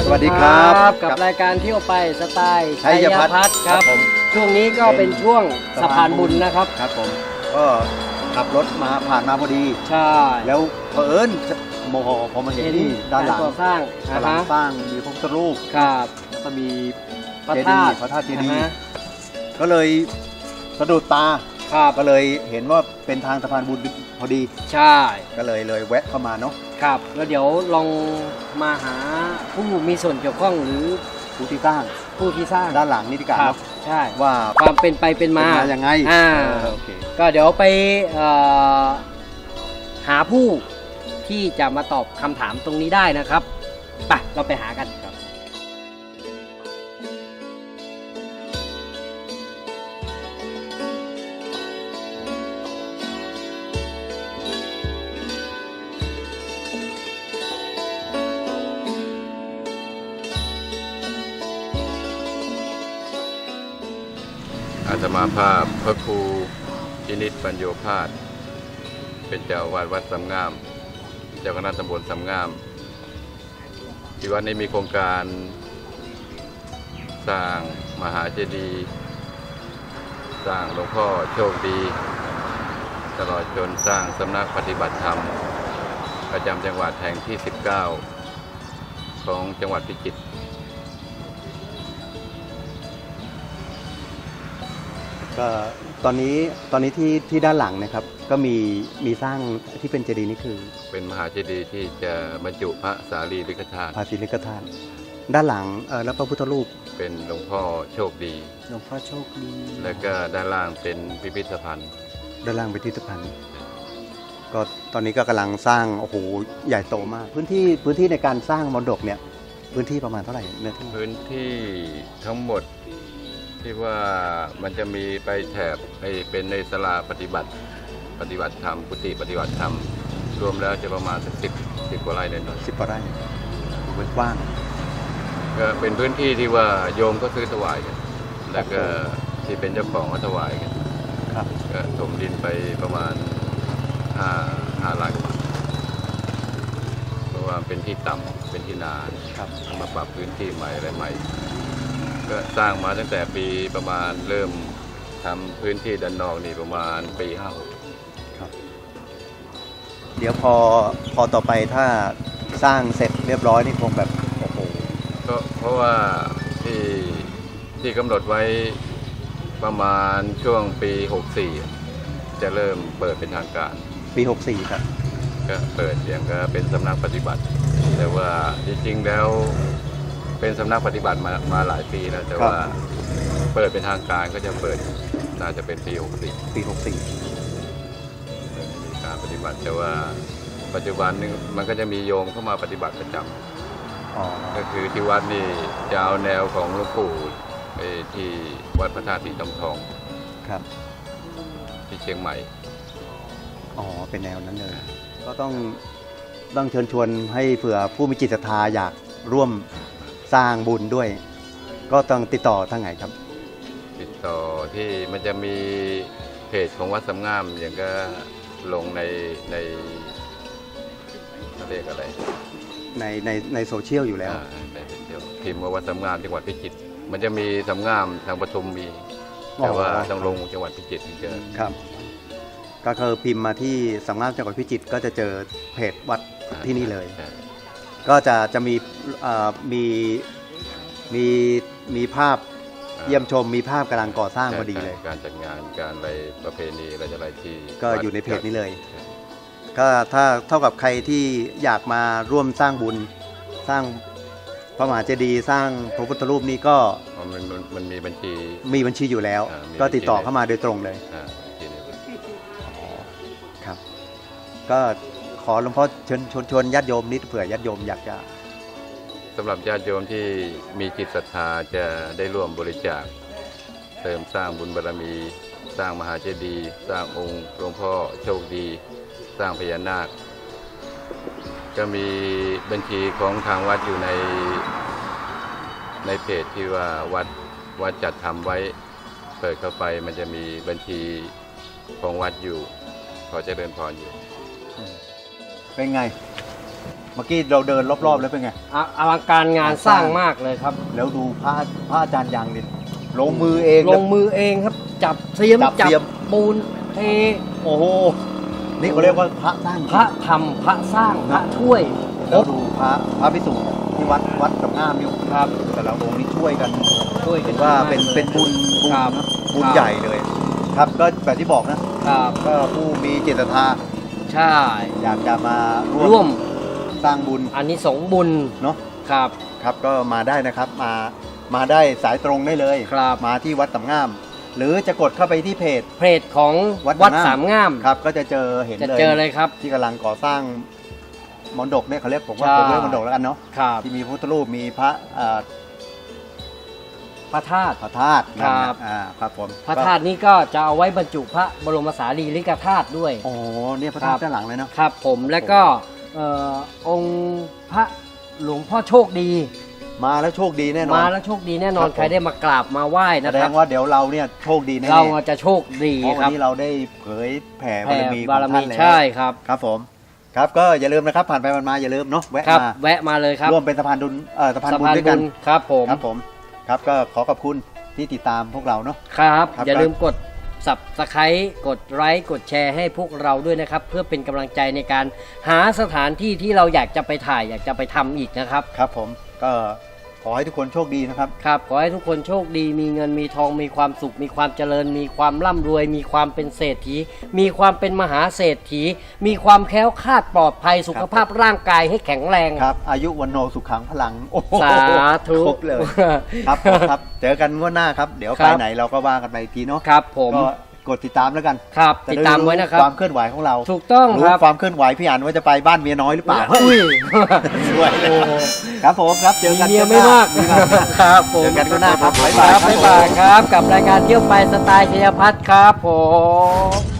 วัสดีครับกับรายการเที่ยวไปสไตล์ชัชัยยพัพัฒฒน์น์คครัรับบ ผมช่วงนี้ก็เป็นช่วงสะพานบุญนะครับครับผมก็ขับรถมาผ่านมาพอดีใช่แล้วเผอิญโมโหพอมาเห็นที่ด้านหลังกรก่อสร้างกำลังสร้างมีพระพุทธรูปครับแล้วก็มีพระเจธาดีตุย์พระธาตุเจดีนะย์ฮะก็เลยสะดุดตาครับก็เลยเห็นว่าเป็นทางสะพานบุญพอดีใช่ก็เลยแวะเข้ามาเนาะครับแล้วเดี๋ยวลองมาหาผู้มีส่วนเกี่ยวข้องหรือผู้ที่สร้างผู้ที่สร้างด้านหลังนี่ดีกว่าครัเนาะบใช่ว่าความเป็นไปเป็นมาเป็นยังไง โอเคก็เดี๋ยวไปหาผู้ที่จะมาตอบคำถามตรงนี้ได้นะครับไปเราไปหากันครับอาตมาภาพพระครูพินิจปัญโยภาสเป็นเจ้าอาวาสวัดสำงาม เจ้าคณะตำบลสำงาม ที่วัดนี้มีโครงการสร้างมหาเจดีย์สร้างหลวงพ่อโชคดี ตลอดจนสร้างสำนักปฏิบัติธรรม ประจำจังหวัดแห่งที่ 19 ของจังหวัดพิจิตรก็ตอนนี้ที่ด้านหลังนะครับก็มีสร้างที่เป็นเจดีย์นี่คือเป็นมหาเจดีย์ที่จะบรรจุพระสารีริกธาตุภาษีลิกธาตุด้านหลังแล้วพระพุทธรูปเป็นหลวงพ่อโชคดีหลวงพ่อโชคดีแล้วก็ด้านล่างเป็นพิพิธภัณฑ์ด้านล่างเป็นพิพิธภัณฑ์ก็ตอนนี้ก็กำลังสร้างโอ้โหใหญ่โตมากพื้นที่ในการสร้างมรดกเนี่ยพื้นที่ประมาณเท่าไหร่เนื้อที่พื้นที่ทั้งหมดที่ว่ามันจะมีไปแถบเป็นในศาลาปฏิบัติธรรมกุฏิปฏิบัติธรรม รวมแล้วจะประมาณสัก10 กว่าไร่เลยนะ 10 กว่าไร่พื้นกว้างก็เป็นพื้นที่ที่ว่าโยมก็ซื้อถวายกัน แล้วก็ที่เป็นเจ้าของก็ถวายกันครับก็ถมดินไปประมาณ5 ล้านกว่าบาทเพราะว่าเป็นที่ต่ำเป็นที่นาครับมาปรับพื้นที่ใหม่อะไรใหม่ ก็สร้างมาตั้งแต่ปีประมาณเริ่มทำพื้นที่ด้านนอกนี่ประมาณปี56 ครับ เดี๋ยวพอต่อไปถ้าสร้างเสร็จเรียบร้อยนี่คงแบบโอ้โหก็เพราะว่าที่กำหนดไว้ประมาณช่วงปี64จะเริ่มเปิดเป็นทางการปี64ครับก็เปิดอย่างก็เป็นสำนักปฏิบัติ แต่ว่าจริงๆแล้วเป็นสำนักปฏิบัติมาหลายปีแล้วแต่ว่าเปิดเป็นทางการก็จะเปิดน่าจะเป็นปี64 ปี64 มีการปฏิบัติแต่ว่าปัจจุบันนี้มันก็จะมีโยมเข้ามาปฏิบัติประจำอ๋อก็คือที่วัดนี่จะเอาแนวของหลวงปู่ที่วัดพระธาตุสีทองทองครับที่เชียงใหม่อ๋อเป็นแนวนั้นเลยก็ต้องเชิญชวนให้เผื่อผู้มีจิตศรัทธาอยากร่วมสร้างบุญด้วย ก็ต้องติดต่อทางไหนครับติดต่อที่มันจะมีเพจของวัดสำงามอย่างก็ลงในเขาเรียกอะไรในโซเชียลอยู่แล้วในโซเชียลพิมพ์ว่าวัดสำงามจังหวัดพิจิตรมันจะมีสำงามทางปทุมมีแต่ว่าต้องลงจังหวัดพิจิตรถึงจะครับก็คือพิมพ์มาที่สำนักจังหวัดพิจิตรก็จะเจอเพจวัดที่นี่เลยใช่ก็จะมีภาพเยี่ยมชมมีภาพกำลังก่อสร้างพอดีเลยการจัดงานการอะไรประเพณีอะไรที่ก็อยู่ในเพจนี้เลย ก็ถ้าเท่ากับใครที่อยากมาร่วมสร้างบุญสร้างพระมหาเจดีย์สร้างพระพุทธรูปนี้ก็มันมีบัญชีมีบัญชีอยู่แล้ว ก็ติดต่อเข้ามาโดยตรงเลยบัญชีนี้ครับ ก็ขอหลวงพ่อชวนญาติโยมนิดเผื่อญาติโยมอยากจะสำหรับญาติโยมที่มีจิตศรัทธาจะได้ร่วมบริจาคเสริมสร้างบุญบารมี สร้างมหาเจดีย์สร้างองค์หลวงพ่อโชคดี สร้างพญานาค ก็มีบัญชีของทางวัดอยู่ในเพจที่ว่าวัดจัดทำไว้เปิดเข้าไปมันจะมีบัญชีของวัดอยู่ขอเจริญพรอยู่เป็นไงมื่อกี้เราเดินรอบๆแล้วเป็นไงอลังการงานสร้างมากเลยครับแล้วดูพระอาจารย์ยังดิลงมือเองลงมือเองครับ จับเสียมจับเสียมปูนเทโอ้โหนี่เขาเรียกว่าพระสร้างพระทำพระสร้างพระช่วยครแล้วบดูพระพิสุที่วัดกับงามอยู่ครับแต่ละองค์นี่ช่วยกันช่วยกันว่ามกเป็นลยเป็นบุญครับบุญครับใหญ่เลย ครับก็แบบที่บอกนะครับ ก็ผู้มีจิตศรัทธาใช่อยากจะมาร่วมสร้างบุญอันนี้สงส์บุญเนาะครับครับก็มาได้นะครับมาได้สายตรงได้เลยครับมาที่วัดสามงาม หรือจะกดเข้าไปที่เพจเพจของวัดวัดสาสาม มงามงามครับก็จะเจอเห็นจะเลยเจอเลยครับที่กำลังก่อสร้างมณฑปเนี่ยเขาเรียกผมว่าใช่ผมเรียกมณฑปแล้วกันเนาะครับที่มีพระพุทธรูปมีพระพระธาตุพระธาตุครับครับผมพระธาตุนี้ก็จะเอาไว้บรรจุพระบรมสารีริกธาตุด้วยโอ้เนี่ยพระธาตุด้านหลังเลยเนาะครับผมแล้วก็องค์พระหลวงพ่อโชคดีมาแล้วโชคดีแน่นอนมาแล้วโชคดีแน่นอนครับผมใครได้มากราบมาไหว้แสนะดครับงว่าเดี๋ยวเราเนี่ยโชคดีแน่ๆเราจะโชคดีเพราะควันรับนี้เราได้เผยแผ่บาแผ่รมีขบาองรท่ามีนแล้วใช่ครับครับผมครับก็อย่าลืมนะครับผ่านไปผ่านมาอย่าลืมเนาะแวะครับมาแวะมาเลยครับร่วมเป็นสะพานบุญสะพานบุญด้วยกันครับผมครับผมครับก็ขอขอบคุณที่ติดตามพวกเราเนาะครับครับอย่าลืมกด Subscribe กดไลค์กดแชร์ให้พวกเราด้วยนะครับ เพื่อเป็นกำลังใจในการหาสถานที่ที่เราอยากจะไปถ่ายอยากจะไปทำอีกนะครับครับผมก็ขอให้ทุกคนโชคดีนะครับครับขอให้ทุกคนโชคดีมีเงินมีทองมีความสุข มีความเจริญ มีความร่ำรวย มีความเป็นเศรษฐี มีความเป็นมหาเศรษฐี มีความแคล้วคลาดปลอดภัยสุขภาพร่างกายให้แข็งแรงครับอายุวันโนสุขังพลังโอ้โหสาธุครบเลยครับผมครับเจอกันงวดหน้าครับเดี๋ยวครัไปบไหนเราก็ว่ากันไปอีกทีเนาะครับผมก็กดติดตามแล้วกันครับจะติดได้ตามไว้นะครับความเคลื่อนไหวของเราถูกต้องรู้ครับความเคลื่อนไหวพี่อันว่าจะไปบ้านเมียน้อยหรือเปล่าอุ้ยด้วยนะโอ้โหครับผมครับเจอกันเมียไม่มากมีมากครับผมเจอกันงวดหน้าครับบ๊ายคบายรับครับบ๊ายบายครับ กับรายการเที่ยวไปสไตล์ชัยพัฒน์ครับผม